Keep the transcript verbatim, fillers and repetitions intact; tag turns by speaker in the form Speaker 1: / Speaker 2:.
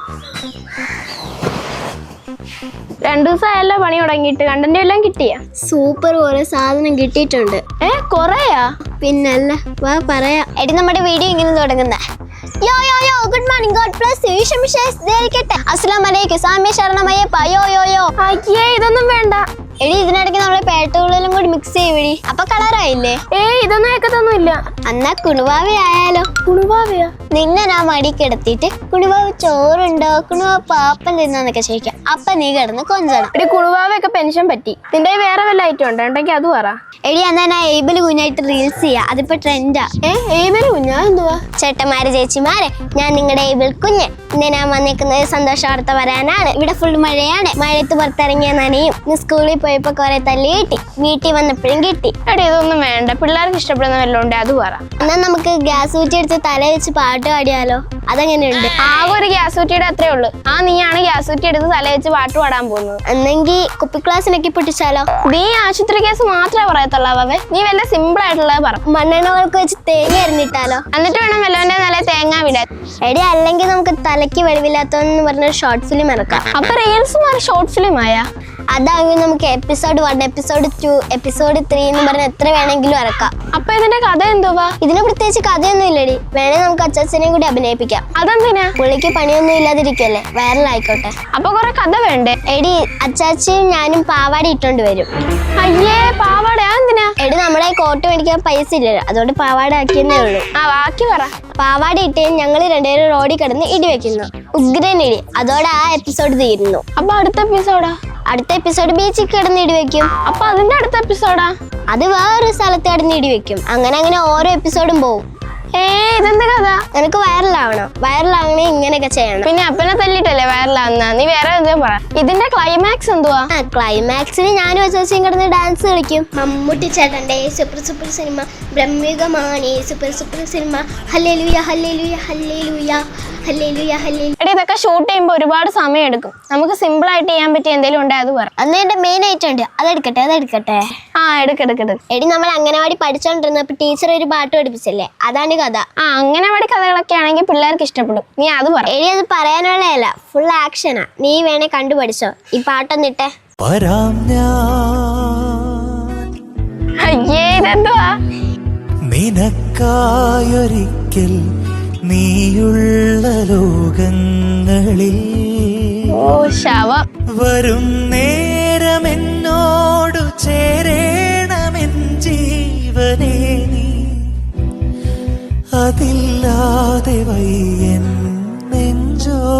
Speaker 1: രണ്ടു ദിവസമായല്ലോ പണി തുടങ്ങിയിട്ട്. കണ്ടന്റ് എല്ലാം കിട്ടിയ?
Speaker 2: സൂപ്പർ കുറെ സാധനം കിട്ടിയിട്ടുണ്ട്.
Speaker 1: ഏ കൊറേയാ?
Speaker 2: പിന്നല്ല, വാ പറയാ. എടി നമ്മുടെ വീഡിയോ ഇങ്ങനെ തുടങ്ങുന്നേ. Yo yo yo good morning, God bless you, Eesho മിശിഹായിരിക്കട്ടെ, അസ്സലാമു അലൈക്കും, സാമ്യ ശരണമയ്യപ്പ, യോ യോ യോ.
Speaker 1: അയ്യേ ഇതൊന്നും വേണ്ട.
Speaker 2: എടി ഇതിനിടയ്ക്ക് നമ്മളെ പേട്ടുകളിലും കൂടി മിക്സ് ചെയ്യടി, അപ്പൊ കളറായില്ലേ?
Speaker 1: ഏ ഇതൊന്നും ഏക്കത്തൊന്നും ഇല്ല.
Speaker 2: എന്നാ കുണുവാവി ആയാലോ?
Speaker 1: കുണുവാവയാ?
Speaker 2: നിന്നെ ഞാൻ മടി കിടത്തിയിട്ട് കുണുവാവ് ചോറുണ്ടോ, കുണുവാവ് പാപ്പൻ തിന്നാന്നൊക്കെ ചോദിക്കാം. അപ്പൊ നീ കിടന്ന് കൊഞ്ചണം.
Speaker 1: എടി കുണുവാവയൊക്കെ പെൻഷൻ പറ്റി. നിന്റെ വേറെ വല്ല ഐറ്റം ഉണ്ടോ? ഉണ്ടെങ്കിൽ അത് പറ.
Speaker 2: എടി എന്നാ ഞാൻ ഏബില് കുഞ്ഞായിട്ട് റീൽസ് ചെയ്യാം, അതിപ്പോ ട്രെൻഡാ.
Speaker 1: ഏ ഏബില് കുഞ്ഞാ? എന്തുവാ?
Speaker 2: ചേട്ടന്മാര് ചേച്ചിമാരെ, ഞാൻ നിങ്ങളുടെ ഏബിൾ കുഞ്ഞ്. ഇന്ന് ഞാൻ വന്നേക്കുന്നത് സന്തോഷ വാർത്ത പറയാനാണ്. ഇവിടെ ഫുൾ മഴയാണ്. മഴയത്ത് പുറത്തിറങ്ങിയ നനയും. ഇന്ന് സ്കൂളിൽ പോയപ്പോ കുറെ തല്ലി കിട്ടി, വീട്ടിൽ വന്നപ്പോഴും കിട്ടി.
Speaker 1: എടി ഇതൊന്നും വേണ്ട. പിള്ളേർക്ക് ഇഷ്ടപ്പെടുന്ന വല്ലതും ഉണ്ട് അത് പറ.
Speaker 2: എന്നാ നമുക്ക് ഗ്യാസ് ഊറ്റി എടുത്ത് തല വെച്ച് പാട്ട് പാടിയാലോ? അതെങ്ങനെയുണ്ട്?
Speaker 1: ആകെ ഒരു ഗ്യാസ് ഊറ്റിയുടെ അത്രേ ഉള്ളു. ആ നീയാണ് ഗ്യാസ് ഊറ്റി എടുത്ത് തല വെച്ച് പാട്ട് പാടാൻ പോകുന്നത്.
Speaker 2: എന്നെങ്കിൽ കുപ്പി ക്ലാസ്സിനൊക്കെ പൊട്ടിച്ചാലോ?
Speaker 1: നീ ആശുപത്രി കേസ് മാത്രമേ പറയത്തുള്ളവേ. നീ വല്ല സിമ്പിൾ ആയിട്ടുള്ളത് പറ.
Speaker 2: മണ്ണെണ്ണകൾക്ക് വെച്ച് തേങ്ങ അരിഞ്ഞിട്ടാലോ?
Speaker 1: എന്നിട്ട് വേണം വല്ലവന്റെ നല്ല തേങ്ങ വിടാൻ.
Speaker 2: എടി അല്ലെങ്കിൽ നമുക്ക് തലയ്ക്ക് വെളിവില്ലാത്തോന്ന് പറഞ്ഞ ഷോർട്ട് ഫിലിം ഇറക്കാം.
Speaker 1: അപ്പൊ റീൽസ് മാറി ഷോർട്ട് ഫിലിം ആയാ?
Speaker 2: അതാണെങ്കിൽ നമുക്ക് episode one, episode two, episode three എന്ന് പറഞ്ഞ എത്ര വേണമെങ്കിലും ഇറക്കാം.
Speaker 1: അപ്പൊ ഇതിന്റെ കഥ എന്തുവാ?
Speaker 2: ഇതിന് പ്രത്യേകിച്ച് കഥയൊന്നും ഇല്ലടി. വേണേ നമുക്ക് അച്ചാച്ചനെയും കൂടി അഭിനയിപ്പിക്കാം.
Speaker 1: അതെന്തിനാ?
Speaker 2: പുള്ളിക്ക് പണിയൊന്നും ഇല്ലാതിരിക്കല്ലേ, വൈറലായിക്കോട്ടെ.
Speaker 1: അപ്പൊ കൊറേ കഥ വേണ്ടേ?
Speaker 2: എടി അച്ചാച്ചിയും ഞാനും പാവാടി ഇട്ടോണ്ട് വരും.
Speaker 1: അയ്യേ പാവാട? എന്തിനാ?
Speaker 2: എടി നമ്മളെ കോട്ട് മേടിക്കാൻ പൈസ ഇല്ലല്ലോ, അതുകൊണ്ട് പാവാട ആക്കിയെന്നേ ഉള്ളൂ.
Speaker 1: ആ ബാക്കി പറ.
Speaker 2: പാവാടി ഇട്ട് ഞങ്ങൾ രണ്ടുപേരും റോഡിൽ കിടന്ന് ഇടി വെക്കുന്നു. ഉഗ്രൻ ഇടി. അതോടെ ആ എപ്പിസോഡ് തീരുന്നു.
Speaker 1: അപ്പൊ അടുത്ത എപ്പിസോഡാ?
Speaker 2: അടുത്ത എപ്പിസോഡ് ബീച്ചിൽ കിടന്ന് ഇടി വെക്കും.
Speaker 1: അപ്പൊ അതിന്റെ അടുത്ത എപ്പിസോഡാ?
Speaker 2: അത് വേറൊരു സ്ഥലത്ത് കിടന്ന് ഇടി വെക്കും. അങ്ങനെ അങ്ങനെ ഓരോ എപ്പിസോഡും പോവും.
Speaker 1: ഏ ഇതെന്ത് കഥ?
Speaker 2: നിനക്ക് വൈറലാവണം. വൈറലാവണേ ഇങ്ങനെയൊക്കെ ചെയ്യണം.
Speaker 1: പിന്നെ അപ്പനെ തല്ലിട്ടല്ലേ വൈറലാവുന്ന? നീ വേറെ എന്തോ പറ. ഇതിന്റെ ക്ലൈമാക്സ് എന്തുവാ?
Speaker 2: ആ ക്ലൈമാക്സിന് ഞാനും അച്ചാച്ചയും കിടന്ന് ഡാൻസ് കളിക്കും. മമ്മൂട്ടി ചേട്ടന്റെ സൂപ്പർ സൂപ്പർ സിനിമ ബ്രഹ്മികമാണ്. സൂപ്പർ സൂപ്പർ സിനിമ. ഹല്ലേലൂയ ഹല്ലേലൂയ ഹല്ലേലൂയ ഹല്ലേലൂയ ഹല്ലേലൂയ.
Speaker 1: എടി ഇതൊക്കെ ഷൂട്ട് ചെയ്യുമ്പോൾ ഒരുപാട് സമയം എടുക്കും. നമുക്ക് സിമ്പിൾ ആയിട്ട് ചെയ്യാൻ പറ്റിയ എന്തെങ്കിലും ഉണ്ടേ അത് പറ.
Speaker 2: അന്ന് എന്റെ മെയിൻ ഐറ്റം ഉണ്ട്, അതെടുക്കട്ടെ അതെടുക്കട്ടെ
Speaker 1: ആ എടുക്കെടുക്കെടു.
Speaker 2: എടി നമ്മൾ അംഗനവാടി പഠിച്ചോണ്ടിരുന്നപ്പോ ടീച്ചർ ഒരു പാട്ട് പഠിപ്പിച്ചല്ലേ, അതാണ് കഥ.
Speaker 1: ആ അംഗനവാടി കഥകളൊക്കെ ആണെങ്കിൽ പിള്ളേർക്ക് ഇഷ്ടപ്പെടും. നീ അത് പറ.
Speaker 2: എടി അത് പറയാനുള്ളതല്ല, ഫുൾ ആക്ഷനാ. നീ വേണേ കണ്ടുപഠിച്ചോ. ഈ പാട്ടൊന്നിട്ടെ.
Speaker 1: അയ്യേ ഇതെന്തുവാ?
Speaker 3: നിനക്കായൊരിക്കൽ നീയുള്ള ലോകങ്ങളിൽ
Speaker 1: ഓ ശവം.
Speaker 3: വരും നേരമെന്നോടു ചേരേണമെൻ ജീവനേ നീ, അതില്ലാതെ വയ്യൻ നെഞ്ചോ